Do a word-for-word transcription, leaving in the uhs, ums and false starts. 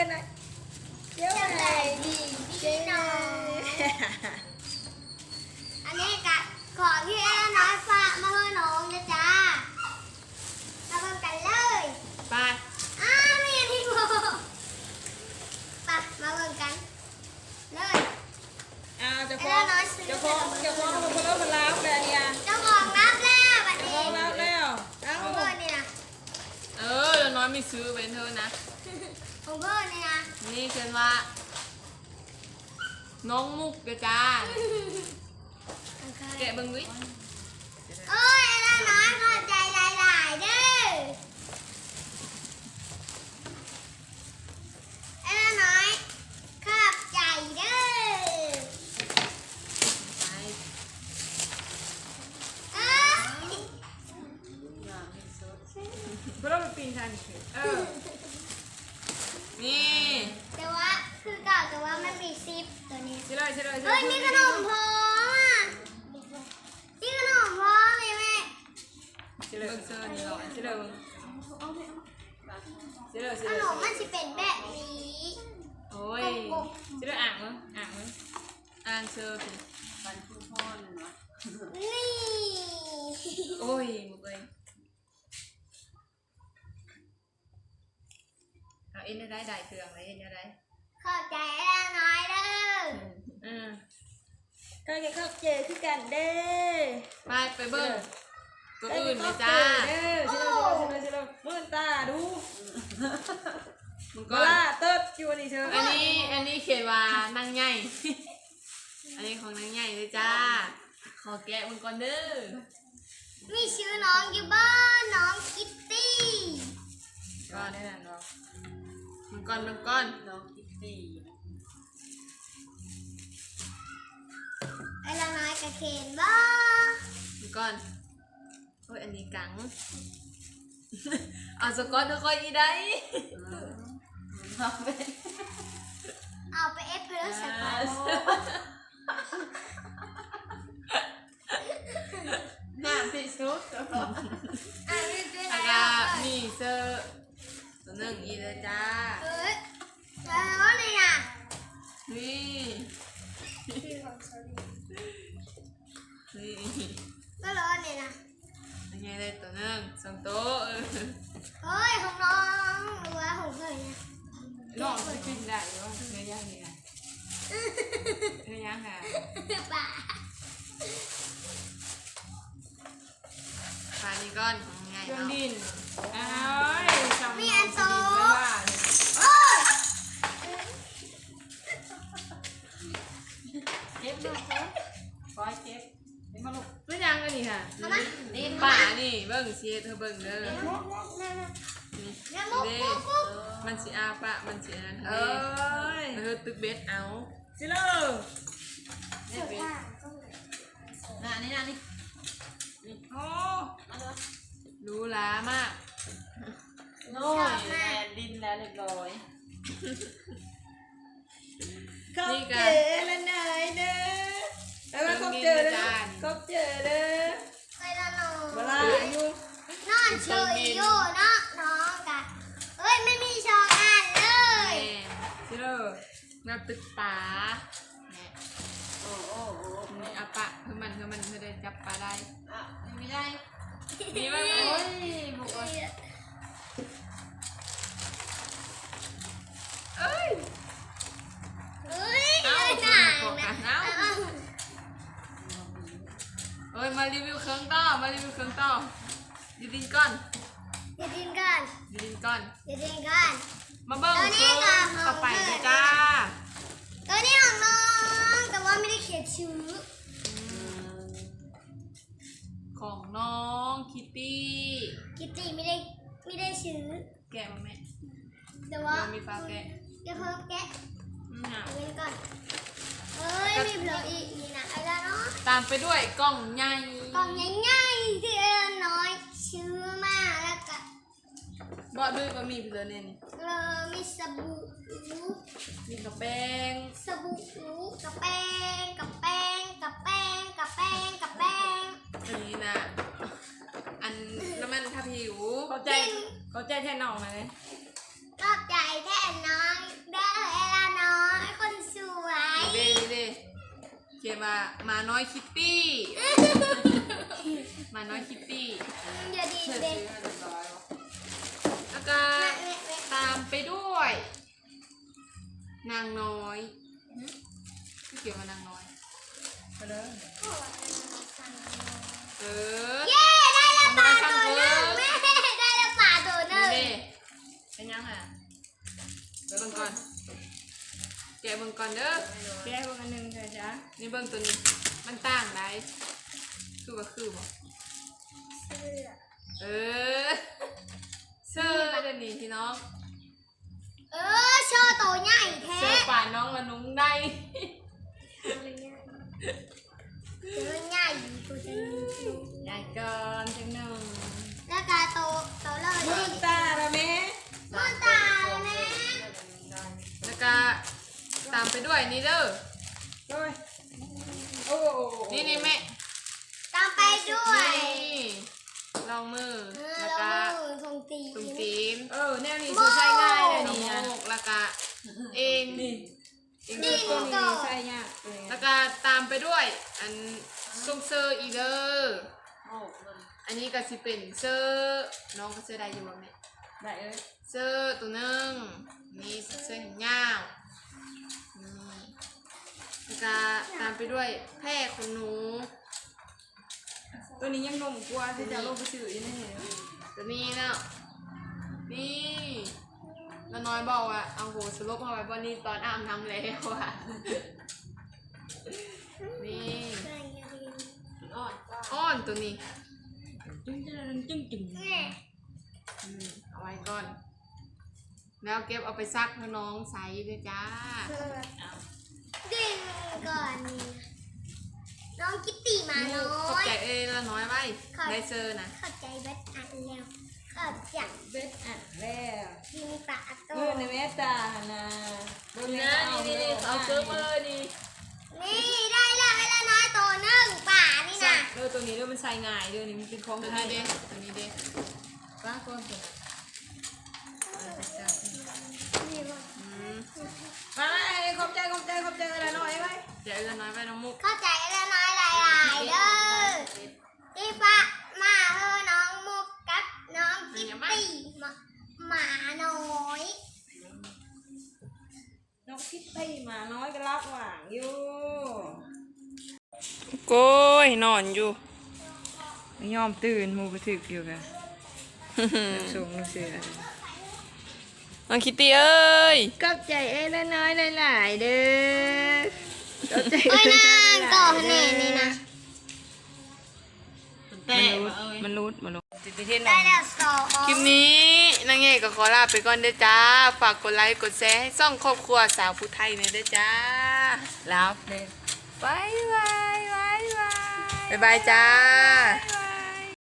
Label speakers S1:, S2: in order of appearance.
S1: กันหน่อยเดี๋ยวไหนดีพี่น้อง
S2: อันนี้กะของที่แอนน้อยฝากมาให้น้องนะจ๊ะมาเบิ่งกันเลย
S3: ไป
S2: อ้าวไม่ยังที่บอกไปมาเบิ่งกันเลย
S1: อ้าวจะฟ้องจะฟ้องจะฟ้องคนคนละคนแล้วเลยเนี่ย
S2: เจ้าของรับแล้วบัดนี้
S1: ฟ้องแล้วแล้วเอ้า
S2: ของเพื่อนนี่นะ
S3: เออแล้วน้อยไม่ซื้อเป็นเธอนะ
S2: ของเพื่อนนี่นะ
S3: นี่เกินว่าน้องมุกเด้อจ้าแกะเบิ่งวิ
S2: โอ้ยแอนน้อยขอบใจหลายๆเด้อแอนน้อยขอบใจเด้อเอ้ย
S1: เพื่อนเราไปปีนทันเออ
S3: นี่
S2: แต่ว่าคือเก่าแต่ว่ามันมีซิปตัวนี้
S1: ใช่เลยใช่เลย
S2: เฮ้ยมีขนมพองอ่ะมีขนมพองเลยแม่
S1: ใช่เลย
S3: เบิ่งเสื้อนี่หรอ
S1: ใช่เลยใช่เลยใช่
S2: ข
S1: เลย
S2: นมมันจะเป็นแบบนี้
S3: โอ้ย
S1: ใช่เลยอ่างมั้งอ่างมั้ง
S3: อ่านเสื้อสิ
S4: มันคือพ่อเนาะ
S2: นี่
S3: โอ้ยมุกเอ้ยเอาเอ็นได้ได้เครื่องอะไรเอ็นได้
S2: ขอบใจแล้วน้อยเด้อ
S3: อืม
S1: ก็แกเข้าเจอคือกันเด้
S3: ไปไปเบิ่งตัวอื่นเลยจ้า
S1: เด้อใช่เลยใช่เลยใช่เลยมื่นตาดู
S3: มึง
S1: ก็
S3: ก็
S1: ล่าเติร์ดอยู่นี่เชิญ
S3: อันนี้อันนี้เขียนว่านางใหญ่ อันนี้ของนางใหญ่เลยจ้า ขอแกะมึงก่อนเด้อ
S2: มีชื่อน้องอยู่บ้านน้องคิตตี้
S1: ก็แน่นอนเนาะ
S3: มึงก่อนมึงก่อน
S4: น้องคิตตี้
S2: ไอ้ละน้อยกระเคนบ้า
S3: มึงก่อนโอ้ยอันนี้กัง เอาสกอตทุกคนอีได้
S4: เอาไป
S2: เอาไปเอฟเพลสก่อน
S4: หน้าที่สุด
S2: อ่ะนี่เป็น
S3: อา
S2: อะไร
S3: กามีเสื้อตัวหนึ่งอีเลยจ้า
S2: เอ้ยแล้วนี่น่ะ
S3: นี่ นี่
S2: ก็ร้อนนี่น่ะ
S3: ยังไงเลยตัวหนึ่งสองโต๊ะเออ
S2: เฮ้ยของน้องหรือว่าของเพื่อนเนี่ย
S1: น้องจะกินได้หรือว่าเนื้อย่างนี่ไงเนื้อย่างอ่ะ
S2: ป่า
S3: ปลานี่ก้อนง่าย
S1: เครื่อง
S3: เนาะ
S1: ดินอ้าวจำ
S2: มีอันโต
S1: ไม่ว่า
S2: โอ้ย
S4: เก็บมาครับปล่อยเก็บนี่มาลูก
S1: เนื้อย่างอันนี้ค่ะ
S2: เอามา
S3: นี่ป่านี่เบิ่งเสียเธอเบิ่งเด้อ
S2: นั่นน่ะ
S3: นี่
S2: แล้วมุก
S3: เด้
S2: มุกมุก
S3: มันสิอาปะมันสิอันนั้น
S1: เอ
S3: เด้
S1: ้ย
S3: เธอตึกเบ็ดเอา
S1: สิเลอ
S4: นี่เป็นหน้านี่หน้านี่
S1: โอ้
S3: รู้ล้ามาก
S4: โน่ยแลนดินแล้วเรียบร้อย
S1: ขอบเจอแล้วนายเด้อแล้วมาขอบเจอเด้อขอบเจอเด้อ
S2: ไปละน้อง
S1: เวลาอยู่
S2: นอนเฉยอยู่เนาะน้องกะเอ้ยไม่มีชองอ่านเลย
S3: แม่
S1: สิเลอ
S3: นับตึกป่าเนี่ย
S4: โอ้โอ้โอ้
S3: นี่อาปะเพื่อมันเพื่อมันเพื่อได้จับปลาได้
S4: อ่ะไม่ได้
S3: นี่ว่า
S4: โอ้ยบุกอ่ะ
S3: เอ้ย
S2: เอ้ย
S3: เอา
S2: หนัง
S3: บอก
S2: นะ
S3: กันเอาเอ้ยมารีวิวเครื่องต่อมารีวิวเครื่องต่อดีดินก่อน
S2: อย่าดินกัน
S3: ดีดินก่อน
S2: อย่าดินกัน
S3: มาเบิ้งเครื่องต่อไปเลยจ้า
S2: ตัวนี้ของน้องแต่ว่าไม่ได้เขียนชื่อ
S3: ของน้องคิตตี้
S2: กิตตี้ไม่ได้ไม่ได้ชื่อ
S3: แกะมาแม่
S2: แต่ว่า
S3: มีปลาแกะ
S2: อย่าเพิ่มแกะ
S3: อืม
S2: เอาเงินก่อนเอ้ยมีเบลออีกนี่นะอะไรเนาะ
S3: ตามไปด้วยกล่องใหญ่
S2: กล่องง่ายๆที่เอ็นน้อยชื่อมาแล้วก็
S3: บอด้วยบะหมี่เพื่อนเนี่ยนี่
S2: เออมีสบู่
S3: มีกระแป้ง
S2: สบู่กับแป้งกับแป้งกับแป้งกับแป้งกับแป้ง
S3: อันนี้นะอันน้ำมันทาผิว
S1: เข้าใจเข้าใจแทนน้องไหม
S2: ก็ใจแท้น้อย
S3: ยนว่ามาน้อยคิตตี้มาน้อยคิตตี้
S2: อย่าดี
S4: เสร็จ
S2: เด็ก
S4: ซื้อให้เรียบร้อยแล้ว
S3: แล้วก็ตามไปด้วย นางน้อยที่เกี่ยวกับนางน้อย
S4: ไปเลย
S3: เออ
S2: เย้ได้แล้วปลาตัวหนึ่งแม่ได้แล้วปลาตัวหนึ่ง
S3: นี่
S4: เป็นยังไง
S3: เบิ่งก่อนแกะเบิ่งก่อนเด้อ
S1: แก้วกันหนึ่งค่ะจ๊ะ
S3: นี่เบิ่งตัวนี้มันต่างได้คือว่าคือบ่
S2: เสื้อ
S3: เออเสื้อเดี๋ยวนี้พี่น้อง
S2: เออโชว์ตัวใหญ่แท้
S3: เสื้อป่านน้องละนุ้งได้
S2: ตัวใหญ่ตัวจะมีตัว
S1: ใหญ่ก่อนจังหนึ่ง
S2: แล้วก็โตโตเลย
S1: มือตาละแม่
S2: มือตาแม่
S3: แล้วก็ตามไปด้วยนี่เด้อ
S1: โอ้ยโอ้
S3: นี่นี่แม่
S2: ตามไปด้วย
S3: นี่ลองมือ
S2: เออ
S3: แล้ว
S2: แล้
S3: ก็
S2: วมือทงตี
S3: ตุ้มตีน
S1: เออแนวนี้คือใช้ง่ายเลย
S3: น้อง
S1: นี่
S3: โม
S1: นะ
S3: กแล้วก็เอง
S1: นี่
S3: เอง
S1: นี่
S3: ก็
S1: ตัวนี้ใช้ยากเลย
S3: แล้วก็ตามไปด้วย อันซุงเซอร์อีเดอร์
S4: โอ้มัน
S3: อันนี้ก็สิเป็นเซอร์น้องก็เซอร์ได้อยู่บ่แม่
S1: ได้เอ้ย
S3: เซอร์ตัวหนึงนี่เซอร์แขนยาวนี่แล้วก็ตามไปด้วยแพร่ขนหนู
S1: ตัวนี้ยังนมกว่าที่จะลงไปซื้อยังไง
S3: ตัวนี้เนาะนี่แล้วน้อยบอกว่าเอาโหสลบมาไว้บนนี้ตอนอาบน้ำแล้วอ่ะนี่
S4: อ่อนก็
S3: อ้อนตัวนี้
S1: จึ้งจึ้งจึ้งจึ้ง
S2: แม่
S3: อืมเอาไว้ก่อน แล้วเก็บเอาไปซักให้น้องใส่ด้วยจ้า
S2: ดึงก่อนนี่น้องคิตตี้มาน้
S3: ข
S2: อ
S3: อบ
S2: ย
S3: ใจเอ้ยละน้อยไว้ได้เซอร์นะ
S2: ขอบใจเบ็ดอันแล้วขอบใจ
S1: เบ็ดอ่ะแล้ว
S2: ที่มีปลาโต
S1: เออในแม่ตานะเบิ่ง
S3: นะนี่นี่นี่เอาเซิร์ฟมาเลยนี่
S2: นี่ได้แล้วให้ละน้อยตัวหนึ่งป่านี่นะ
S1: เออตัวนี้ด้วยมันใช้ง่ายด้วยนี่มันเป็นของ
S3: ตัว
S1: ไท
S3: นี้
S1: ย
S3: เด้ตัวนี้เด้
S4: ป้าก้อนตัวเอาไปจับ
S2: นี่บ่
S3: อืม
S1: มาขอบใจขอบใจขอบใจอะไรหน่อยไว้
S3: เดี๋ยวเอ้ยละน้อยไว้น้องมุก
S2: เข้าใจละน้อยหลายๆเด้อที่ฟ้ามาเฮอน้องมุกกับน้องคิตตี้มาหมาน้อย
S1: นกคิดตี้มาน้อยก็รับหว่างอยู่
S3: โก้ยนอนอยู่
S1: ยอมตื่นมูกระถึกอยู่กันสูงเสือ
S3: น้องคิตตี้เอ้ย
S1: ขอบใจเอ้ละน้อยหลายๆเด้อขอบใจ
S2: โอ้ยนางก่อแน่นี่นะ
S4: แต่
S1: มันรูด
S4: มาเอ้ย
S1: มันรูดมันรูดติดไปเทศ
S2: ได้แล้วสอง
S3: คลิปนี้นางเอกก็ขอลาไปก่อนเด้อจ้า ฝากกดไลค์กดแชร์ให้ซ่องครอบครัวสาวผู้ไทยหน่อยเด้อจ้า
S1: แล้วเด้
S3: บายบายบายบายบายบายจ้า
S1: บ